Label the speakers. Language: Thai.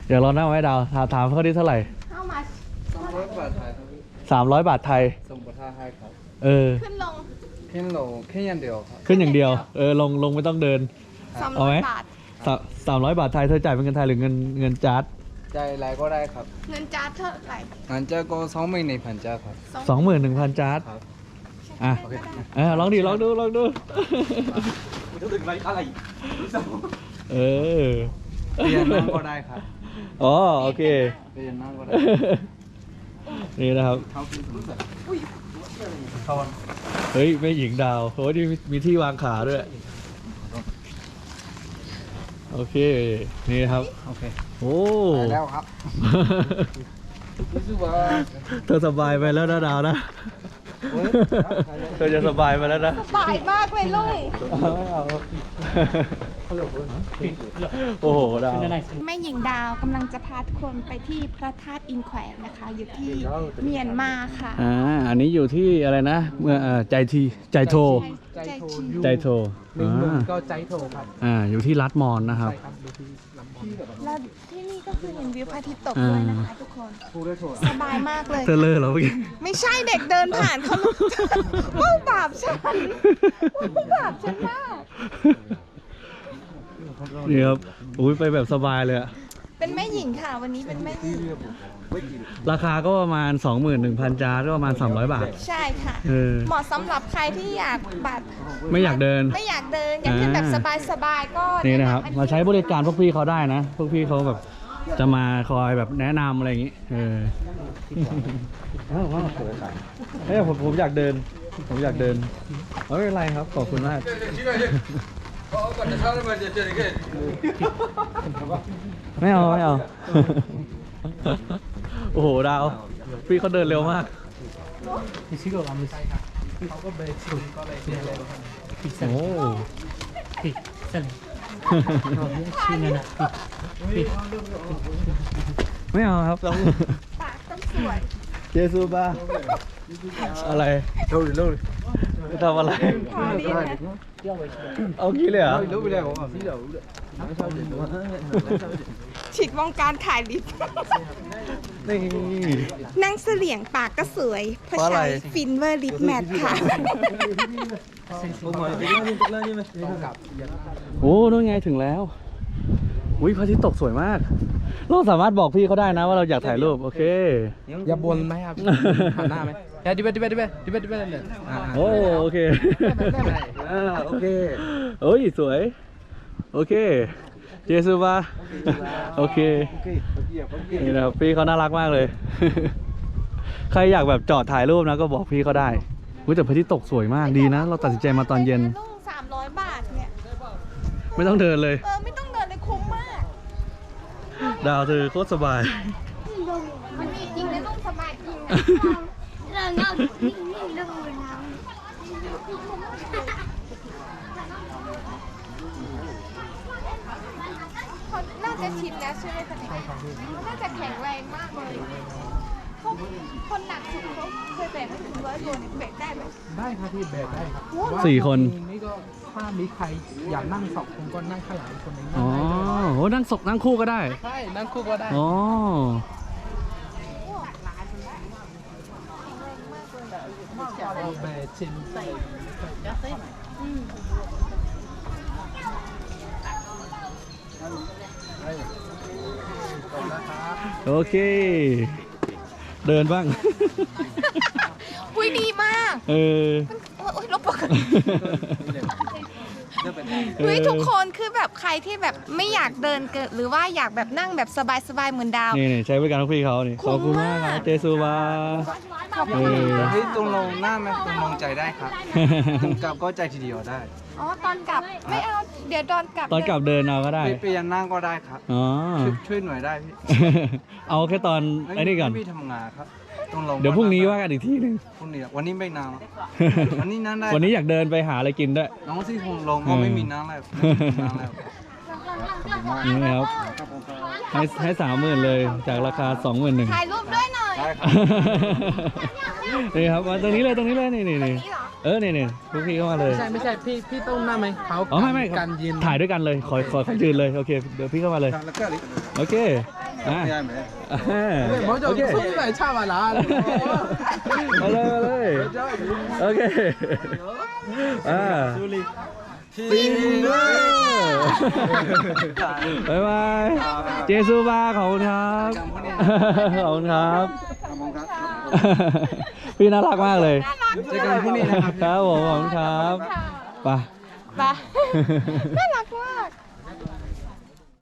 Speaker 1: เดี๋ยวเรานั่งไว้ดาวถามเขาที่เท่าไหร่
Speaker 2: How much
Speaker 3: 300 บาทไทยครับพี่
Speaker 1: 300 บาทไทย
Speaker 3: ส่งประทาให้ครับ
Speaker 2: ขึ้นลง
Speaker 3: ขึ้นโหลแค่อย่างเดียวครับ
Speaker 1: ขึ้นอย่างเดียวลงไม่ต้องเดิน เอาไหม
Speaker 2: 300 บาท
Speaker 1: 300 บาทไทยเธอจ่ายเป็นเงินไทยหรือเงินจาร์ด
Speaker 3: ใจอะไรก็ได้ครับ
Speaker 2: เงินจาร์ดเท่าไหร่
Speaker 3: งั้นจะก็21,000จ้าครับ
Speaker 1: 21,000 จาร์ด
Speaker 3: ครับ
Speaker 1: อ่ะลองดูเออ
Speaker 3: เปลี่ยนนั่งก็ได้ครับ
Speaker 1: อ๋อโอเค
Speaker 3: เปลี่ยนนั่งก็ได้
Speaker 1: นี่นะครับ
Speaker 3: เขาคือถุงใส่ทอน
Speaker 1: เฮ้ยแม่หญิงดาวโอ้ยนี่มีที่วางขาด้วย โอเค นี่นะครับ
Speaker 3: โอเค
Speaker 1: โอ้
Speaker 3: ไปแล้วครับรู้สึกว่า
Speaker 1: เธอสบายไปแล้วนะดาวนะ เธอจะสบายไปแล้วนะ
Speaker 2: สบายมากเลยลุย
Speaker 1: ไม่เอาโอ้โหดาว
Speaker 2: แม่หญิงดาวกำลังจะพาทุกคนไปที่พระธาตุอินแขวนนะคะ อยู่ที่เมียนมาค่ะ
Speaker 1: อันนี้อยู่ที่อะไรนะเมื่อใจโท
Speaker 2: ใจชี
Speaker 1: ใจโท
Speaker 3: ก็ใจโถครับ
Speaker 1: อยู่ที่รัฐมอนนะครับ
Speaker 3: ครับดูที่ลำบาก
Speaker 2: แล้วที่นี่ก็คือเห็นวิวพระอาทิตย์ตกด้วยนะคะทุกคน
Speaker 3: พูดได้โถ
Speaker 2: สบายมากเลย
Speaker 1: เธอเลอเหรอเมื่อกี้
Speaker 2: ไม่ใช่เด็กเดินผ่านเขาว่าบาปฉันว่าบาปฉันมาก
Speaker 1: นี่ครับอุ้ยไปแบบสบายเลยอะ
Speaker 2: เป็นแม่หญิงค่ะ วันนี้เป็นแม่หญิง
Speaker 1: ราคาก็ประมาณ 21,000 จาร์ดก็ประมาณ300 บาท
Speaker 2: ใช่ค่ะ เหมาะสำหรับใครที่อยากแบบ
Speaker 1: ไม่อยากเดิน
Speaker 2: ไม่อยากเดิน อยากขึ้นแบบสบายๆก็
Speaker 1: นี่นะครับ
Speaker 2: แำ
Speaker 1: มาใช้บริการพวกพี่เขาได้นะ พวกพี่เขาแบบจะมาคอยแบบแนะนำอะไรอย่างงี้เฮ้ยผมอยากเดิน ผมอยากเดินไม่เป็นไรครับขอบคุณมาก ไม่เอา โอ้โหดาว พี่เขาเดินเร็วมาก
Speaker 3: เขาก็เบรกสุดก็เลยเปลี่ยนเลย
Speaker 1: โอ้ไม่เอาครับต้อง
Speaker 2: ปากต้องสวย
Speaker 1: เจซูบาอะไรเร็วจะทำอะไร
Speaker 2: พอดีนะ
Speaker 1: เอางี้เลยเหรอ
Speaker 3: รู้ไปแล้วผมพี่เดี๋ยว
Speaker 2: ฉีดวงการขายลิป
Speaker 1: นี่
Speaker 2: นั่งเสลี่ยงปากก็สวยเพราะ
Speaker 1: เพราะอะไร
Speaker 2: ใช้ฟินเวอร์ลิปแมทค่ะ
Speaker 1: โอ้นู่นไงถึงแล้วอุ้ยพระอาทิตย์ตกสวยมาก เราสามารถบอกพี่เขาได้นะว่าเราอยากถ่ายรูปโอเค
Speaker 3: อย่าบนไหมครับหันหน้าไหมดิเบตเนี่ย
Speaker 1: โอ้โอเคโอเคโอ้ยสวยโอเคเจสุบาโอเคนี่นะครับพี่เขาน่ารักมากเลย ใครอยากแบบจอดถ่ายรูปนะก็บอกพี่เขาได้อุ้ยแต่พระอาทิตย์ตกสวยมากดีนะ เราตัดสินใจมาตอนเย็น
Speaker 2: ลุง300 บาทเนี่ย
Speaker 1: ไม่ต้องเดินเลย
Speaker 2: ไม่ต้องเดินเลยคุ้มมาก
Speaker 1: ดาวเธอโคตรสบาย
Speaker 2: มันมีจริงนะลุงสบายจริงนะ
Speaker 4: เราเงานิ่งๆดูน้
Speaker 2: เขาน่าจะชินแล้วใช่ไหมคะเนี่ยเขาน่าจะแข็งแรงมากเลยเขาคนหนักสุดเขาเคยแบกไม่ถึง100 โลเนี่ยแบกได้ไหม
Speaker 3: ได้ครับพี่แบกได้ครับ
Speaker 1: 4 คน
Speaker 3: นี่ก็ถ้ามีใครอยากนั่ง2 คนก็นั่งข้างหลังคนนึง
Speaker 1: อ๋อโหนั่งคู่ก็ได้
Speaker 3: ใช่นั่งคู่ก็ได้
Speaker 1: อ๋อ
Speaker 3: เราแบกชินใส่
Speaker 1: โอเค เดินบ้าง
Speaker 2: อุ้ยดีมาก
Speaker 1: เออ
Speaker 2: โอ้ยลบปกติเฮ้ยทุกคนคือแบบใครที่แบบไม่อยากเดินเกินหรือว่าอยากแบบนั่งแบบสบายๆเหมือนดาว
Speaker 1: นี่ใช้บริการพวกพี่เขานี่
Speaker 2: คุ้
Speaker 1: ขอบ
Speaker 2: ม
Speaker 1: คุณมากค
Speaker 2: มา
Speaker 1: รั
Speaker 2: ก
Speaker 1: บเจซูบา
Speaker 2: ขอบคุณ
Speaker 1: เออ
Speaker 3: ตรงลงหน้าไหมตรงลงใจได้ครับตรงกลับก็ใจทีเดียวได้
Speaker 2: อ๋อตอนกลับไม่เอาเดี๋ยวตอนกลับ
Speaker 1: ตอนกลับเดินเอาก็ได้
Speaker 3: เปลี่ยนนั่งก็ได้ครับ
Speaker 1: อ๋อ
Speaker 3: ช่วยหน่วยได้พี่
Speaker 1: เอาแค่ตอนไอ้นี่ก่อน
Speaker 3: พี่ทำงานครับตรงลง
Speaker 1: เดี๋ยวพรุ่งนี้ว่ากันอีกทีหนึ่ง
Speaker 3: พรุ่งนี้วันนี้ไม่นานวันนี้นั่งได้
Speaker 1: วันนี้อยากเดินไปหาอะไรกินด้วย
Speaker 3: น้องที่คงลงก็ไม่มีน้ำแล้วไม่มีน้ำแล้ว
Speaker 1: นี่นะครับ ให้30,000เลยจากราคา 21,000
Speaker 2: ถ่ายรูปด้วยหน่อย
Speaker 3: ได้ครับ
Speaker 1: นี่ครับมาตรงนี้เลยนี่
Speaker 2: นี่เหรอ
Speaker 1: นี่พวกพี่เข้ามาเลย
Speaker 3: ไม่ใช่พี่ต้องนั่งไหมเขา
Speaker 1: อ๋อไม่
Speaker 3: การยืน
Speaker 1: ถ่ายด้วยกันเลยขอยืนเลยโอเคเดี๋ยวพี่เข้ามาเลยโอเค
Speaker 3: 먼저 손님을 참아라.
Speaker 1: มาเลยโอเคซิงเกิลบ๊ายบายเจซูบาขอบคุณครับขอบคุณครับพี่น่ารักมากเลย
Speaker 3: เจอกันพรุ่งนี้นะครับ
Speaker 1: ครับผมขอบคุณครับไป
Speaker 2: ไปน่ารักมาก